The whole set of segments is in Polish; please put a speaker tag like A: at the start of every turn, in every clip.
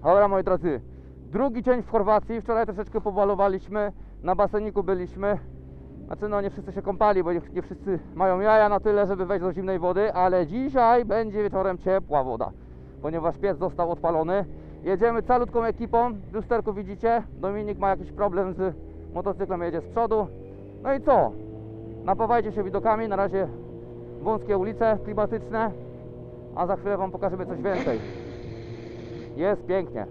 A: Dobra, moi drodzy, drugi dzień w Chorwacji. Wczoraj troszeczkę pobalowaliśmy, na baseniku byliśmy. Znaczy no nie wszyscy się kąpali, bo nie wszyscy mają jaja na tyle, żeby wejść do zimnej wody, ale dzisiaj będzie wieczorem ciepła woda, ponieważ piec został odpalony. Jedziemy calutką ekipą, w lusterku widzicie, Dominik ma jakiś problem z motocyklem, jedzie z przodu. No i co? Napawajcie się widokami, na razie wąskie ulice klimatyczne, a za chwilę wam pokażemy coś więcej. Jest pięknie.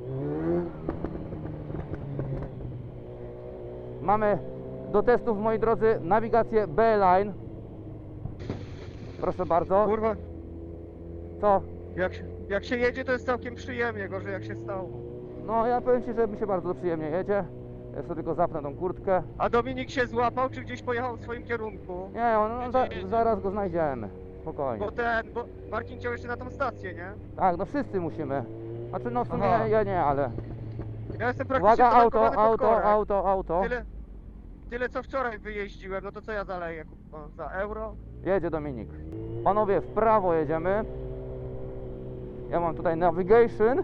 A: Mamy do testów, moi drodzy, nawigację B-Line. Proszę bardzo.
B: Kurwa,
A: Co?
B: jak się jedzie, to jest całkiem przyjemnie, gorzej jak się stało.
A: No ja powiem ci, że mi się bardzo przyjemnie jedzie. Ja sobie tylko zapnę tą kurtkę.
B: A Dominik się złapał, czy gdzieś pojechał w swoim kierunku?
A: Nie, zaraz go znajdziemy. Spokojnie.
B: Bo Marcin chciał jeszcze na tą stację, nie?
A: Tak, no wszyscy musimy. Znaczy no w sumie
B: Aha.
A: ja nie, ale...
B: Ja jestem praktycznie
A: Uwaga,
B: zaparkowany pod korek.
A: auto.
B: Tyle co wczoraj wyjeździłem, no to co ja zaleję, kurwa, za euro?
A: Jedzie Dominik. Panowie, w prawo jedziemy. Ja mam tutaj navigation.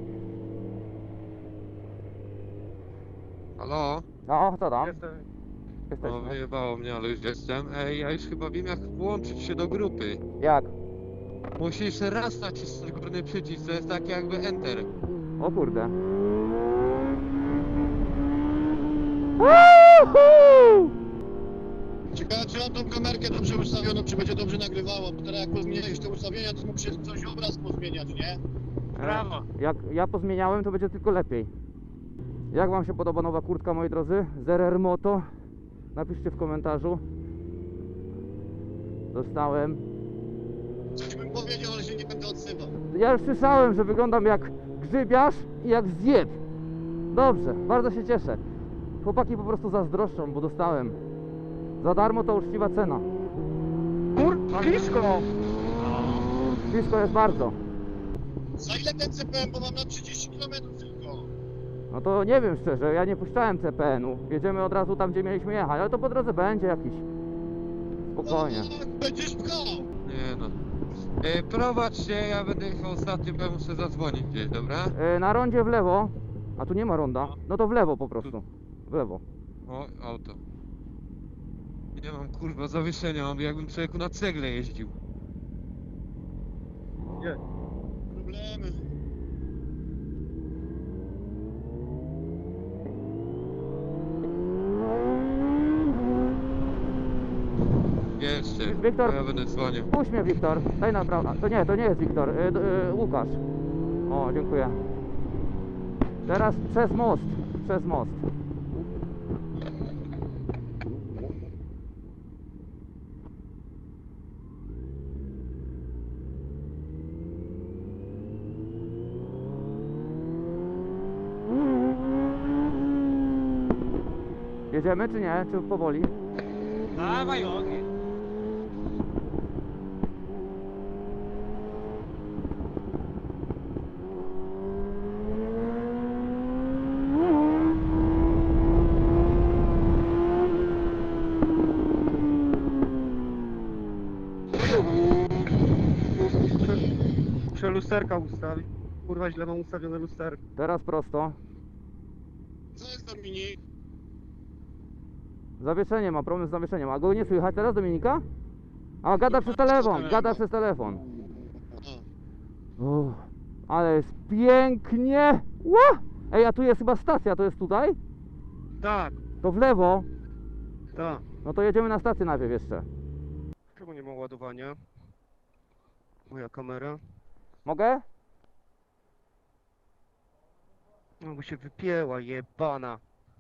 C: Halo?
A: No, co tam?
B: Jestem...
C: No
A: Jesteśmy.
C: wyjebało mnie, ale już jestem. Ej, ja już chyba wiem jak włączyć się do grupy.
A: Jak?
C: Musisz raz nacisnąć górny przycisk, to jest tak jakby Enter.
A: O kurde. Woohoo!
D: Ciekawe, czy mam tą kamerkę dobrze ustawioną, czy będzie dobrze nagrywało, bo teraz jak pozmieniałeś te ustawienia, to mógł się coś obraz pozmieniać, nie?
B: Brawo.
A: Jak ja pozmieniałem, to będzie tylko lepiej. Jak wam się podoba nowa kurtka, moi drodzy? ZRR Moto. Napiszcie w komentarzu. Dostałem.
D: Coś bym powiedział, ale się nie będę odzywał.
A: Ja już słyszałem, że wyglądam jak grzybiarz i jak zjeb. Dobrze, bardzo się cieszę. Chłopaki po prostu zazdroszczą, bo dostałem. Za darmo to uczciwa cena.
B: Blisko!
A: Blisko jest bardzo.
D: Za ile ten CPM, bo mam na 30 km tylko.
A: No to nie wiem szczerze, ja nie puszczałem CPN-u. Jedziemy od razu tam, gdzie mieliśmy jechać, ale to po drodze będzie jakiś. Spokojnie.
D: No, będziesz pchał.
C: Nie no. Prowadź się, ja będę jechał ostatni, bo ja muszę zadzwonić gdzieś, dobra?
A: Na rondzie w lewo. A tu nie ma ronda. No to w lewo po prostu. W lewo.
C: O, auto. Nie mam kurwa zawieszenia, mam jakbym człowieku na cegle jeździł.
B: Nie.
D: Problemy.
C: Jeszcze,
A: Wiktor.
C: bo ja będę dzwonił.
A: Puść mnie, Wiktor. Daj na prawo. To nie jest Wiktor. Łukasz. O, dziękuję. Teraz przez most. Przez most. Jedziemy czy nie? Czy powoli?
B: Dawaj ogień. Muszę lusterka ustawić. Kurwa, źle mam ustawione lusterko.
A: Teraz prosto.
D: Co jest Dominik?
A: Zawieszenie ma, problem z zawieszeniem. A go nie słychać teraz, Dominika? A, gada przez telefon, gada przez telefon. Uff, ale jest pięknie! Ła! Ej, a tu jest chyba stacja, to jest tutaj?
B: Tak,
A: To w lewo.
B: tak.
A: No to jedziemy na stację najpierw jeszcze.
B: Czemu nie ma ładowania? Moja kamera.
A: Mogę?
B: No bo się wypięła, jebana.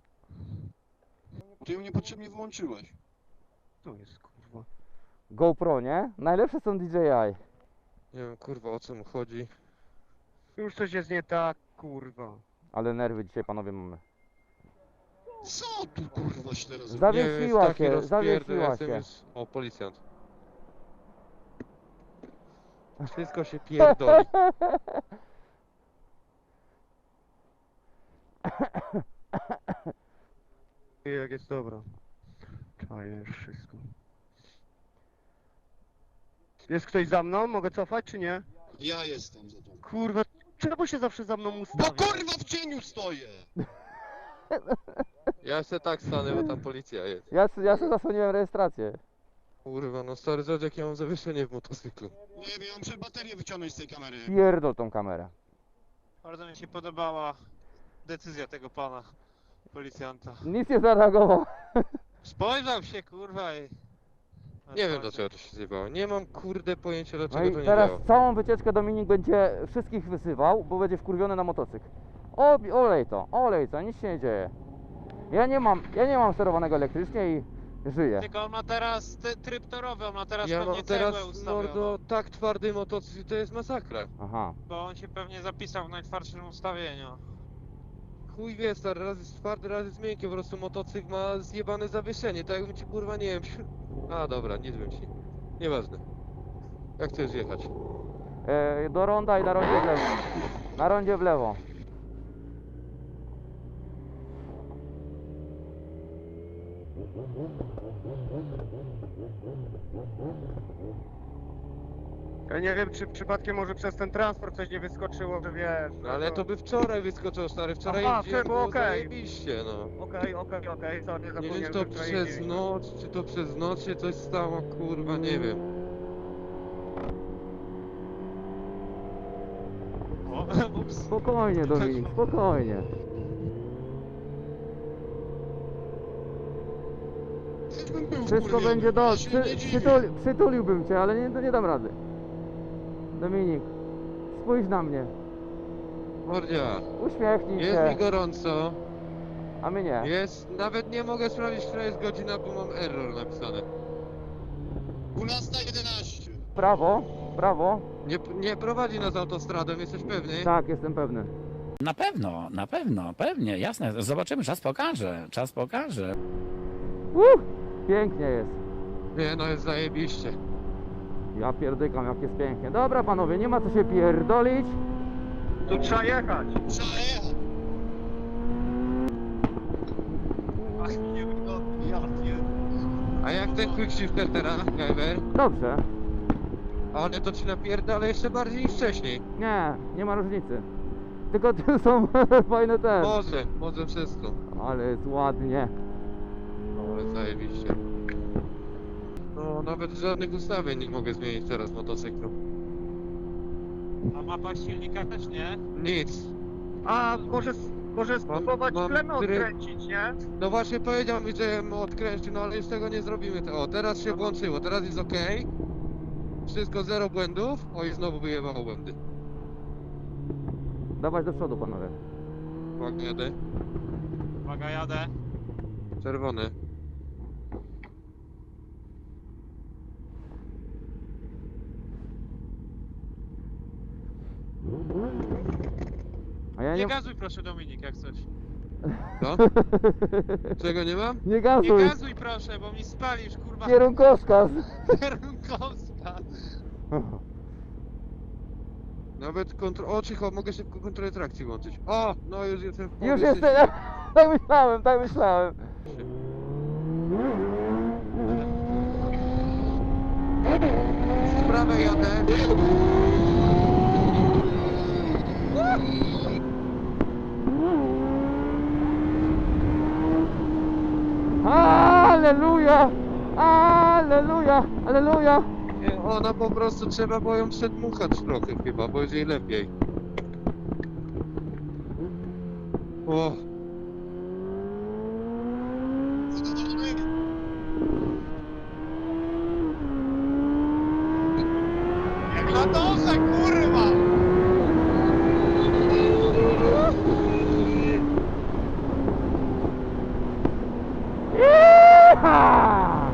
D: Ty ją niepotrzebnie wyłączyłeś.
B: To jest kurwa.
A: GoPro, nie? Najlepsze są DJI.
C: Nie wiem kurwa o co mu chodzi.
B: Już coś jest nie tak, kurwa.
A: Ale nerwy dzisiaj, panowie, mamy.
D: Co tu kurwa się teraz...
A: Zawiesiła
C: Nie, jest taki
A: się,
C: rozpierdol,
A: zawiesiła
C: jestem
A: się.
C: już... O, policjant. Wszystko się pierdoli.
B: Jak jest dobra. Czajesz wszystko. Jest ktoś za mną? Mogę cofać czy nie?
D: Ja jestem za to.
B: Kurwa, Czemu się zawsze za mną
D: Bo
B: ustawia?
D: kurwa w cieniu stoję!
C: Ja się tak stanę, bo tam policja jest.
A: Ja sobie zasłoniłem rejestrację.
C: Kurwa, no stary, zobacz jak ja mam zawieszenie w motocyklu.
D: Nie wiem, ja muszę baterię wyciągnąć z tej kamery.
A: Pierdol tą kamerę.
E: Bardzo mi się podobała decyzja tego pana policjanta.
A: Nic nie zareagował.
E: Spojrzał się kurwa i...
C: Nie wiem dlaczego to się zjebało. Nie mam kurde pojęcia
A: No
C: dlaczego
A: i
C: to nie
A: teraz
C: działa.
A: całą wycieczkę Dominik będzie wszystkich wysywał, bo będzie wkurwiony na motocykl. Olej to, nic się nie dzieje. Ja nie mam sterowanego elektrycznie i żyję.
E: Tylko on ma teraz tryb torowy, on ma teraz
C: Ja
E: pewnie
C: mam
E: cegłę
C: teraz,
E: ustawioną.
C: mordo, tak twardy motocykl, to jest masakra.
A: Aha.
E: Bo on się pewnie zapisał w najtwardszym ustawieniu.
C: Chuj wie, stary, raz jest twardy, raz jest miękki, po prostu motocykl ma zjebane zawieszenie, tak jakbym ci kurwa, nie wiem... A dobra, nic bym ci... Nieważne. Jak chcesz jechać?
A: Do ronda i na rondzie w lewo. Na rondzie w lewo.
B: Ja nie wiem, czy przypadkiem może przez ten transport coś nie wyskoczyło, że wiesz...
C: No ale to by wczoraj wyskoczył, stary, wczoraj
B: Aha,
C: jeździłem,
B: było
C: było
B: okej.
C: zajebiście, no.
B: Okej, sorry,
C: Nie wiem,
B: zapomniałem,
C: czy to
B: że wczoraj
C: przez
B: jeździliśmy.
C: noc, czy to przez noc się coś stało, kurwa, nie wiem.
E: O, ups.
A: Spokojnie Dominik, spokojnie.
D: Też bym był
A: Wszystko
D: wkurwiony,
A: będzie
D: ja
A: dobrze.
D: się nie dziwię.
A: Przytuliłbym cię, ale nie dam rady. Dominik, spójrz na mnie.
C: Mordzia,
A: Uśmiechnij
C: jest
A: się.
C: mi gorąco,
A: A my nie.
C: jest, nawet nie mogę sprawdzić, która jest godzina, bo mam error napisane.
D: 12:11.
A: Prawo, prawo.
C: Nie prowadzi nas autostradą, jesteś pewny?
A: Tak, jestem pewny.
F: Na pewno, pewnie, jasne. Zobaczymy, czas pokaże, czas pokaże.
A: Pięknie jest.
C: Nie, no jest zajebiście.
A: Ja pierdykam, jak jest pięknie. Dobra panowie, nie ma co się pierdolić.
B: Tu trzeba jechać.
D: Trzeba jechać.
B: Ach, nie wygodnie, ja pierdolę.
C: A jak ten quickshifter teraz, Gajber?
A: Dobrze.
C: Ale to ci napierdala jeszcze bardziej niż wcześniej.
A: Nie ma różnicy. Tylko tu są fajne te.
C: Może przez to.
A: Ale jest ładnie.
C: Ale zajebiście. No, nawet żadnych ustawień nie mogę zmienić teraz motocyklu.
E: A mapa silnika też nie?
C: Nic.
B: A, może spróbować
C: mam
B: plemę
C: tryb-
B: odkręcić, nie?
C: No właśnie powiedział mi, że odkręcił, no ale już tego nie zrobimy. O, teraz się włączyło, teraz jest ok. Wszystko zero błędów. O, i znowu wyjebało błędy.
A: Dawać do przodu panowie.
C: Uwaga, jadę.
E: Uwaga, jadę.
C: Czerwony.
A: A ja
E: Nie
A: nie...
E: gazuj proszę Dominik, jak coś.
C: Co? Czego nie mam?
A: Nie
E: Nie
A: gazuj.
E: gazuj proszę, bo mi spalisz kurwa
A: Kierunkowskaz.
E: kierunkowskaz.
C: Nawet O, cicho, mogę szybko kontrolę trakcji włączyć. O, no już jestem w
A: Już
C: połowie
A: jestem. Tak myślałem.
C: Z prawej jadę.
A: Aleluja! Aleluja! Aleluja!
C: Nie, ona po prostu trzeba było ją przedmuchać trochę chyba, bo jest jej lepiej. O,
D: Zadowolony?
E: Jak na dosę kurwa!
A: Jecha!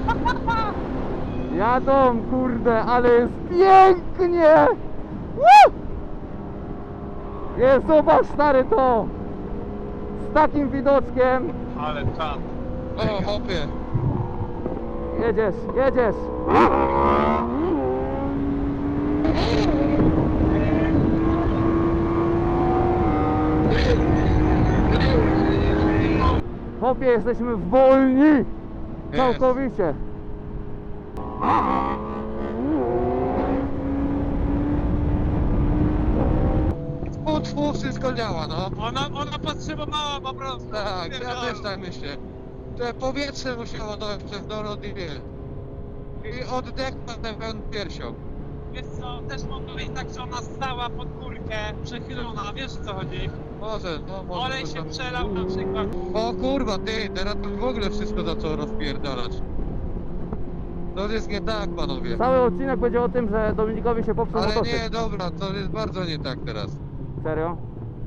A: Jadą, kurde, ale jest pięknie! Woo! Jest, zobacz stary to! Z takim widoczkiem!
E: Ale czad.
C: o, hopie.
A: Jedziesz, jedziesz! Chłopie, jesteśmy wolni! Całkowicie!
C: tfu, wszystko działa, no.
E: Ona potrzebowała po prostu.
C: Tak, ja
E: Pierdolę.
C: też tak myślę. Te powietrze musiało dojść przez dolot i wie. I oddech na pełną piersią.
E: Wiesz co, też mogło być tak, że ona stała pod górkę, przechylona, wiesz o co chodzi?
C: Może, no może.
E: Olej
C: to
E: się
C: tam-
E: przelał na przykład.
C: O kurwa, ty, teraz to w ogóle wszystko zaczęło rozpierdalać. To jest nie tak, panowie.
A: Cały odcinek będzie o tym, że Dominikowi się popsuł
C: Ale
A: motocykl.
C: nie, dobra, to jest bardzo nie tak teraz.
A: Serio?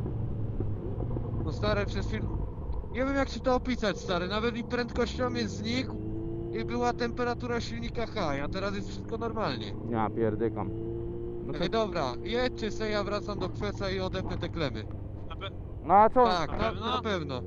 C: No stary, przez chwilę... Nie wiem jak ci to opisać, stary, nawet i prędkościomierz znikł i była temperatura silnika high, a teraz jest wszystko normalnie.
A: Ja pierdykam. No, to,
C: Ej, dobra, jedźcie se, ja wracam do kweca i odepnę te klemy.
A: no a co?
C: Tak,
E: na
C: na
E: pewno?
C: pewno.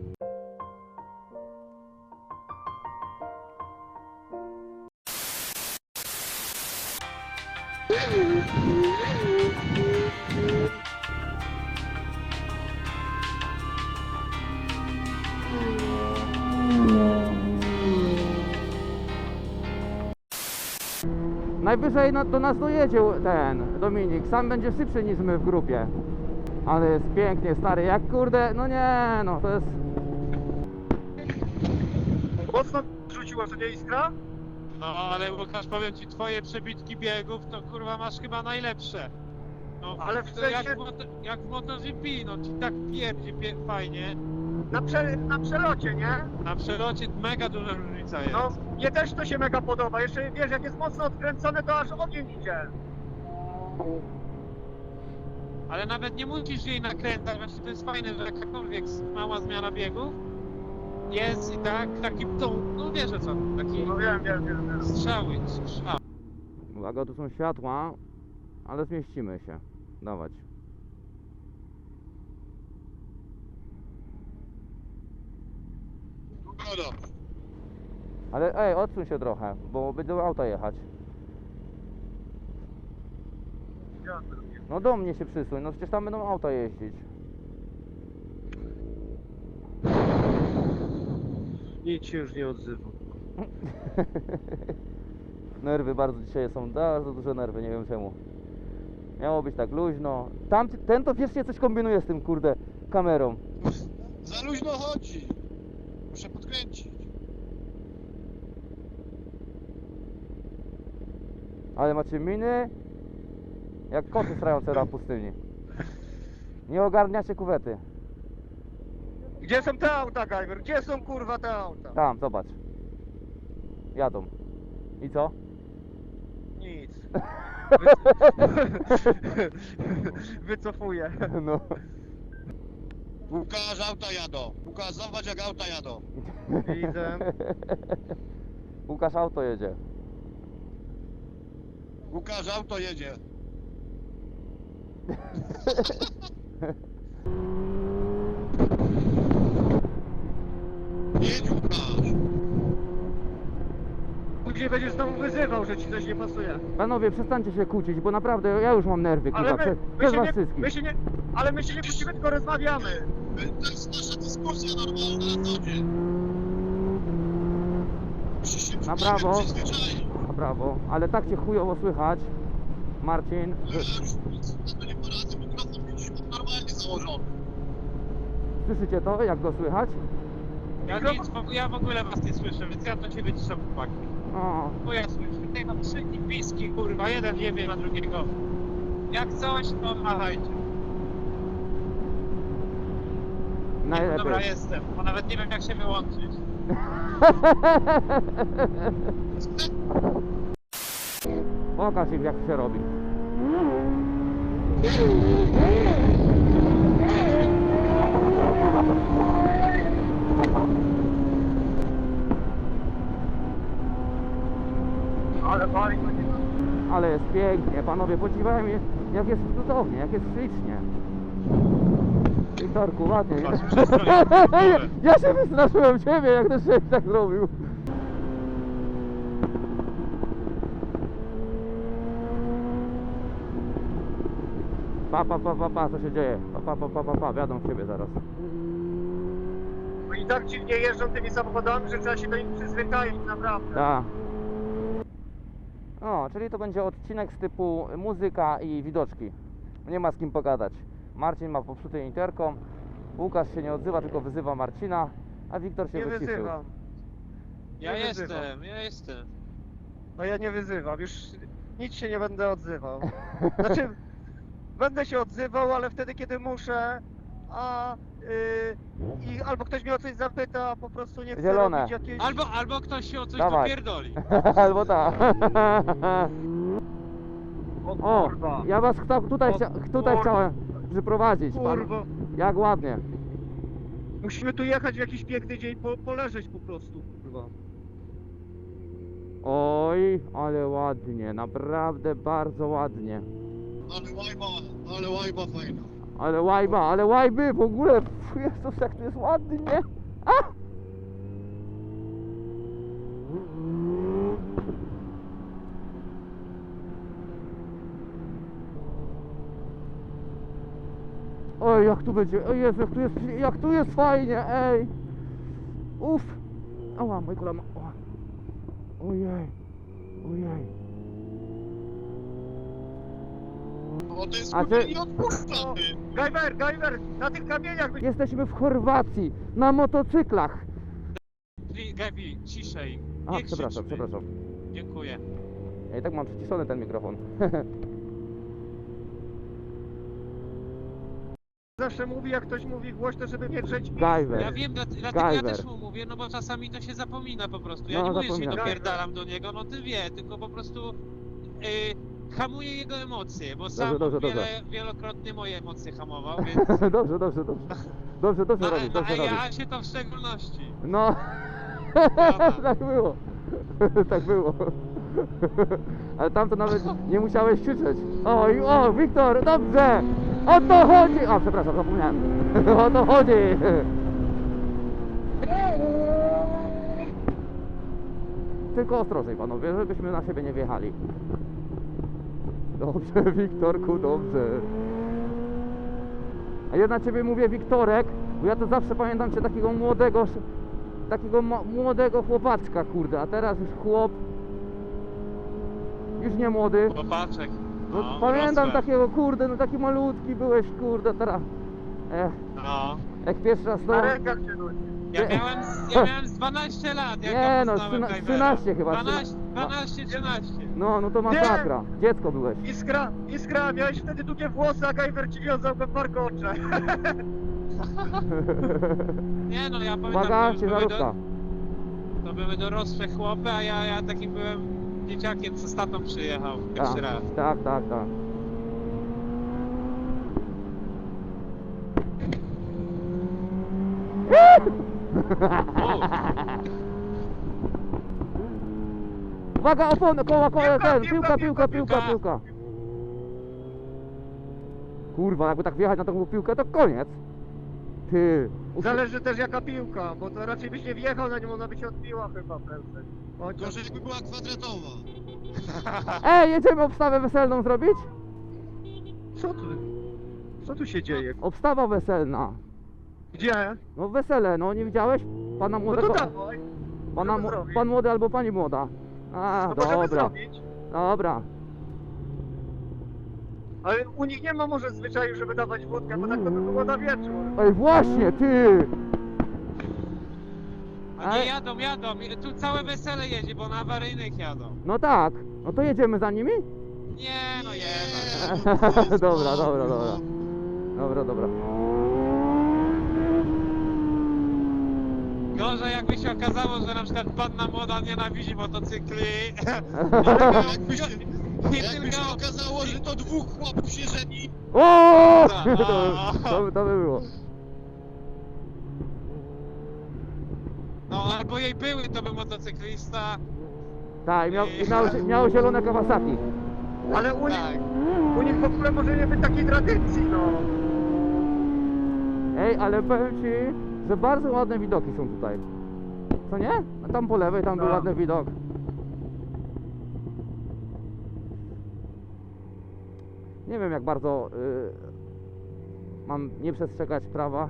A: Najwyżej do nas dojedzie ten Dominik. Sam będzie szybszy niż my w grupie. Ale jest pięknie, stary. Jak kurde, no nie, no to jest...
B: Mocno rzuciła, że nie iskra?
E: No ale Łukasz, powiem ci, twoje przebitki biegów to kurwa masz chyba najlepsze. No,
B: Ale w
E: to
B: sensie-
E: jak w MotoGP, no ci tak pierdzi fajnie.
B: Na przelocie, nie?
E: Na przelocie mega duża różnica jest.
B: No, mnie też to się mega podoba. Jeszcze wiesz, jak jest mocno odkręcone, to aż ogień idzie.
E: Ale nawet nie musisz jej nakręcać, właśnie to jest fajne, że jakakolwiek mała zmiana biegów jest i tak, taki no wiesz o co, taki
B: No wiem.
E: strzał.
A: Uwaga, tu są światła, ale zmieścimy się. Dawać.
D: Dobra.
A: Ale ej, odsuń się trochę, bo będą auta jechać. No do mnie się przysuń, no przecież tam będą auta jeździć.
B: Nic się już nie odzywa.
A: Nerwy bardzo dzisiaj są, bardzo duże nerwy, nie wiem czemu. Miało być tak luźno. Ten to wiecznie coś kombinuje z tym kurde kamerą.
D: Za luźno chodzi. Muszę podkręcić.
A: Ale macie miny jak koty strające na pustyni. Nie ogarniacie kuwety.
B: Gdzie są te auta, Gajwer? Gdzie są kurwa te auta?
A: Tam, zobacz. Jadą. I co?
B: Nic. Wycofuję.
A: No.
D: Łukasz, auta jadą. Łukasz, zobacz jak auta jadą.
B: Widzę.
A: Łukasz auto jedzie.
D: Łukasz, auto jedzie. Jedź, Łukasz.
B: Później będziesz znowu wyzywał, że ci coś nie pasuje.
A: Panowie, przestańcie się kłócić, bo naprawdę ja już mam nerwy, kurwa,
B: Ale
A: przez was wszystkich.
B: my się nie kłócimy, tylko rozmawiamy.
D: To jest nasza dyskusja normalna na co dzień. Musisz się
A: Na prawo.
D: przyzwyczaić.
A: A brawo, ale tak cię chujowo słychać, Marcin,
D: Ale ja już nic na to nie poradzę, mikrofon widzisz normalnie założony.
A: słyszycie to, jak go słychać?
E: Ja w ogóle was nie słyszę, więc ja do ciebie ciszę chłopaki.
A: O,
E: Bo ja słyszę, tutaj mam trzy piski, kurwa, jeden nie wie na drugiego. Jak coś, to machajcie.
A: najlepiej.
E: Dobra, jestem, bo nawet nie wiem jak się wyłączyć.
A: Pokaż im, jak się robi.
B: Ale wali to nie.
A: Ale jest pięknie, panowie, podziwiają mnie, jak jest cudownie, jak jest ślicznie. Wiktorku, ładnie.
E: Patrz, przestań, kurde.
A: Ja się wystraszyłem ciebie, jak ten szef tak zrobił. Pa, co się dzieje? Pa, wiadomo w ciebie zaraz.
B: Oni tak dziwnie jeżdżą tymi samochodami, że trzeba się do nich przyzwyczaić, naprawdę.
A: Tak. O, czyli to będzie odcinek z typu muzyka i widoczki. Nie ma z kim pogadać. Marcin ma popsuty interkom, Łukasz się nie odzywa, tylko wyzywa Marcina, a Wiktor się
B: Nie
A: wyciszył.
B: wyzywam.
E: Ja
B: Nie
E: jestem,
B: wyzywam.
E: ja jestem.
B: No ja nie wyzywam, już nic się nie będę odzywał. Znaczy, będę się odzywał, ale wtedy, kiedy muszę, a i albo ktoś mnie o coś zapyta, a po prostu nie chce
A: Zielone.
B: robić jakieś...
E: Albo ktoś się o coś
A: Dawaj.
E: dopierdoli.
A: Albo tak.
B: O
A: O,
B: kurwa,
A: ja was tutaj,
B: O
A: tutaj
B: kur-
A: chciałem przyprowadzić. Pan,
B: kurwa.
A: jak ładnie.
B: Musimy tu jechać w jakiś piękny dzień, poleżeć po prostu, kurwa.
A: Oj, ale ładnie, naprawdę bardzo ładnie.
D: Ale łajba fajna.
A: Ale łajby w ogóle, pff, Jezus, jak to jest ładnie. A! Oj, jak tu będzie, o Jezu, jak tu jest fajnie, ej. Uff. Ała, moje kolano. Ała. Ojej, ojej.
D: O, to jest
A: A
D: kurwa
A: ty-
D: nie odpuszcza, ty.
B: Gajwer, na tych kamieniach by...
A: Jesteśmy w Chorwacji, na motocyklach.
E: Gabi, ciszej.
A: A,
E: Nie
A: przepraszam,
E: krzyczmy.
A: przepraszam.
E: Dziękuję.
A: Ja i tak mam przyciszony ten mikrofon.
B: Zawsze mówi, jak ktoś mówi głośno, żeby nie drzeć pizdy.
A: Gajwer.
E: Ja wiem, dlatego ja
A: Gajwer.
E: też mu mówię, no bo czasami to się zapomina po prostu. Ja
A: No,
E: nie mówię, że się
A: zapomina.
E: dopierdalam do niego, no ty wie, tylko po prostu hamuję jego emocje, bo sam
A: dobrze, dobrze.
E: wielokrotnie moje emocje hamował, więc...
A: Dobrze. Dobrze
E: A,
A: robisz, dobrze robisz.
E: ja się to w szczególności.
A: No,
E: Prawda.
A: tak było. Tak było. Ale tam to nawet nie musiałeś krzyczeć. Oj, o, Wiktor, dobrze! O to chodzi! A, przepraszam, zapomniałem. O to chodzi! Tylko ostrożej, panowie, żebyśmy na siebie nie wjechali. Dobrze, Wiktorku, dobrze. A ja na ciebie mówię Wiktorek, bo ja to zawsze pamiętam cię takiego młodego chłopaczka, kurde, a teraz już chłop, już nie młody.
E: Chłopaczek.
A: No,
E: No,
A: pamiętam
E: urosłem.
A: takiego, kurde, no taki malutki byłeś, kurde, teraz.
E: No.
A: Jak pierwszy raz
B: Na
A: to...
B: rękach się nosi.
E: Ja miałem z 12 lat, jak
A: Nie,
E: ja
A: no,
E: poznałem
A: 13 chyba,
E: 12, 13.
A: No to masakra. Dziecko byłeś.
B: Iskra, miałeś wtedy długie włosy, a Gajwer ci wiązał go w warkocze.
E: Nie no, ja pamiętam,
A: Uwaga,
E: to
A: ciężarówka.
E: to były dorosłe chłopy, a ja takim byłem dzieciakiem, co z tatą przyjechał pierwszy raz.
A: Tak. Uwaga, opony, koła, ten, piłka. Kurwa, jakby tak wjechać na tą piłkę, to koniec. Ty.
B: Zależy też jaka piłka, bo to raczej byś nie wjechał na nią, ona by się odbiła chyba prędzej.
D: Gorzej jakby była kwadratowa.
A: Ej, jedziemy obstawę weselną zrobić?
B: Co tu się dzieje?
A: Obstawa weselna.
B: Gdzie?
A: No wesele, no nie widziałeś? Pana
B: No
A: młodego.
B: to dawaj. możemy zrobić.
A: Pan młody albo pani młoda. A,
B: No możemy
A: dobra.
B: zrobić.
A: Dobra.
B: Ale u nich nie ma może zwyczaju, żeby dawać wódkę, bo tak to by było na wieczór.
A: Ej, właśnie, ty!
E: A nie jadą. Tu całe wesele jedzie, bo na awaryjnych jadą.
A: No tak. No to jedziemy za nimi?
E: Nie, no
D: Nie,
E: jeba.
D: no to jest
A: Dobra,
D: mało,
A: dobra.
D: no.
A: Dobra.
E: Gorzej jakby się okazało, że na przykład panna młoda nienawidzi motocykli.
D: Jakby się,
E: Nie
D: jakby się
E: tylko...
D: okazało, że to dwóch chłopów się żeni.
A: O!
E: No.
A: To by było.
E: No albo jej były, to był motocyklista.
A: Tak, miał zielone Kawasaki.
B: Ale
E: Tak.
B: u nich w ogóle może nie być takiej tradycji, no.
A: Ej, ale powiem ci, że bardzo ładne widoki są tutaj. Co nie? A tam po lewej, tam był
B: No.
A: ładny widok. Nie wiem jak bardzo mam nie przestrzegać prawa.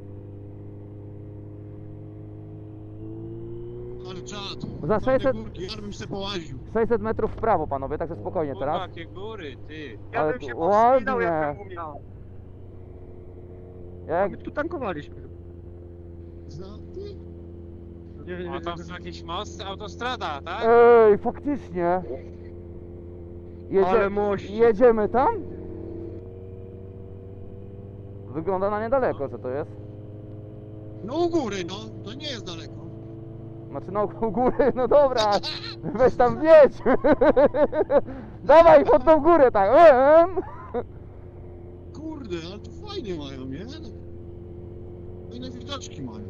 D: Ale czad.
A: Za 600
D: Górki, ja bym się połaził.
A: 600 metrów w prawo, panowie, także spokojnie
E: Kurwa,
A: teraz.
E: jakie góry, ty.
B: Ja
A: Ale
B: bym
A: tu
B: się powstrzymał,
A: ładnie.
B: jakbym umiał.
A: Jak...
B: My tu tankowaliśmy.
D: Za ty?
B: Nie,
E: O, tam są jakieś mosty, autostrada, tak?
A: Ej, faktycznie.
B: Ale mości.
A: Jedziemy tam? Wygląda na niedaleko, że to jest.
D: No u góry, no. To nie jest daleko.
A: Znaczy no u góry, no dobra. Weź tam wjedź. Dawaj pod tą górę tak.
D: Kurde, ale to fajnie mają, nie? Fajne widoczki mają.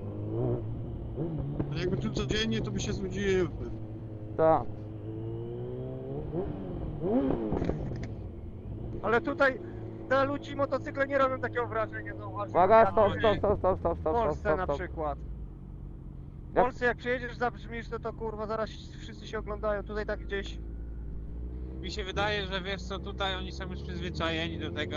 D: Ale jakby tu codziennie, to by się znudziły.
A: Tak.
B: Ale tutaj na ludzi motocykle nie robią takiego wrażenia, zauważyłem.
A: Uwaga,
B: Jak
A: stop,
B: w
A: stop.
B: Polsce na przykład. W
A: Jak-
B: Polsce jak przyjedziesz, zabrzmisz, to kurwa zaraz wszyscy się oglądają. Tutaj tak gdzieś
E: Mi się wydaje, że wiesz co, tutaj oni są już przyzwyczajeni do tego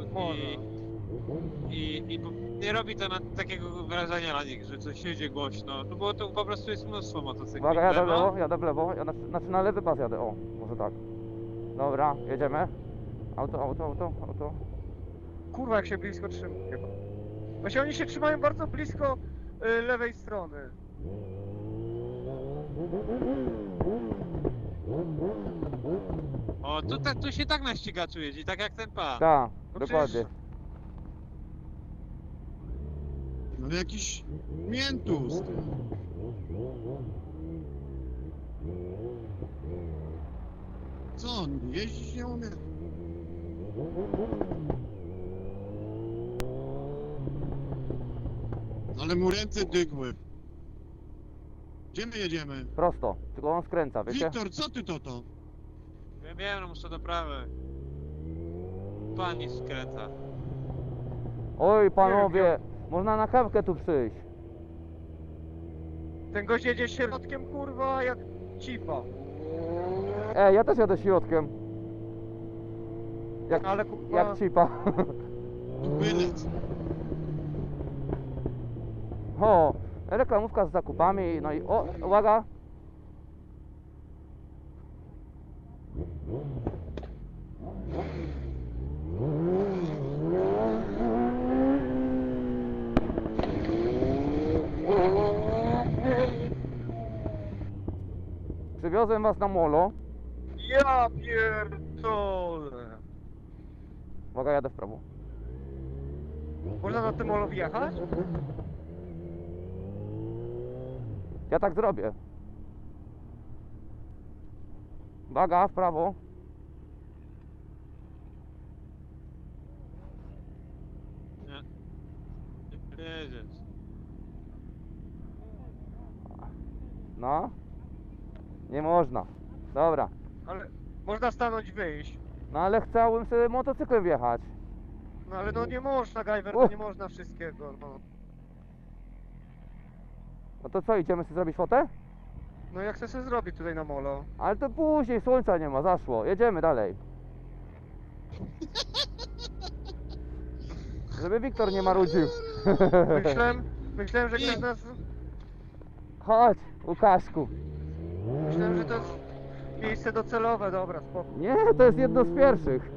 E: i nie robi to takiego wrażenia na nich, że coś jedzie głośno. No bo to po prostu jest mnóstwo motocykli.
A: Uwaga, jadę w
E: Lewo.
A: lewo, jadę w lewo. Ja znaczy na lewy pas jadę. O, może tak. Dobra, jedziemy. Auto.
B: kurwa jak się blisko trzymają. Właśnie oni się trzymają bardzo blisko lewej strony.
E: O, tu się tak na ścigaczu jeździ, tak jak ten pan.
A: Tak,
B: No
A: dokładnie.
B: przecież-
D: No jakiś miętus. Ty. Co on jeździć nie umie? Ale mu ręce dygły. Gdzie my jedziemy?
A: Prosto, tylko on skręca, wiecie?
D: Wiktor, co ty to?
E: Wiem, no muszę do prawej. Pani skręca.
A: Oj, panowie, można na kawkę tu przyjść.
B: Ten gość jedzie środkiem kurwa jak cipa.
A: Ja też jadę środkiem.
B: Ale kurwa...
A: Jak cipa.
D: Bylec.
A: O, reklamówka z zakupami, no i o, uwaga. Przywiozłem was na molo.
B: Ja pierdolę.
A: Uwaga, jadę w prawo.
B: Można na tym molo wjechać?
A: Ja tak zrobię. Uwaga, w prawo.
E: Nie jedziesz.
A: No. Nie można. Dobra.
B: Ale można stanąć, wyjść.
A: No ale chciałbym sobie motocyklem wjechać.
B: No ale no nie można, Gajwer,
A: Uch.
B: no nie można wszystkiego, no.
A: No to co, idziemy sobie zrobić fotę?
B: No jak chcę sobie zrobić tutaj na molo?
A: Ale to później, słońca nie ma, zaszło. Jedziemy dalej. Żeby Wiktor nie marudził.
B: Myślałem, że ktoś nas...
A: Chodź, Łukaszku.
B: Myślałem, że to jest miejsce docelowe, dobra, spoko.
A: Nie, to jest jedno z pierwszych.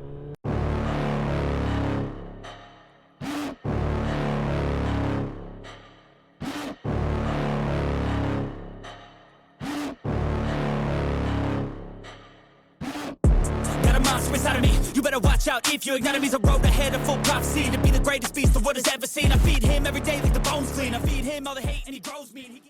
G: Got a monster inside of me. You better watch out if you ignite me's a road ahead of full prophecy to be the greatest beast the world has ever seen. I feed him every day like the bones clean. I feed him all the hate and he grows me. And he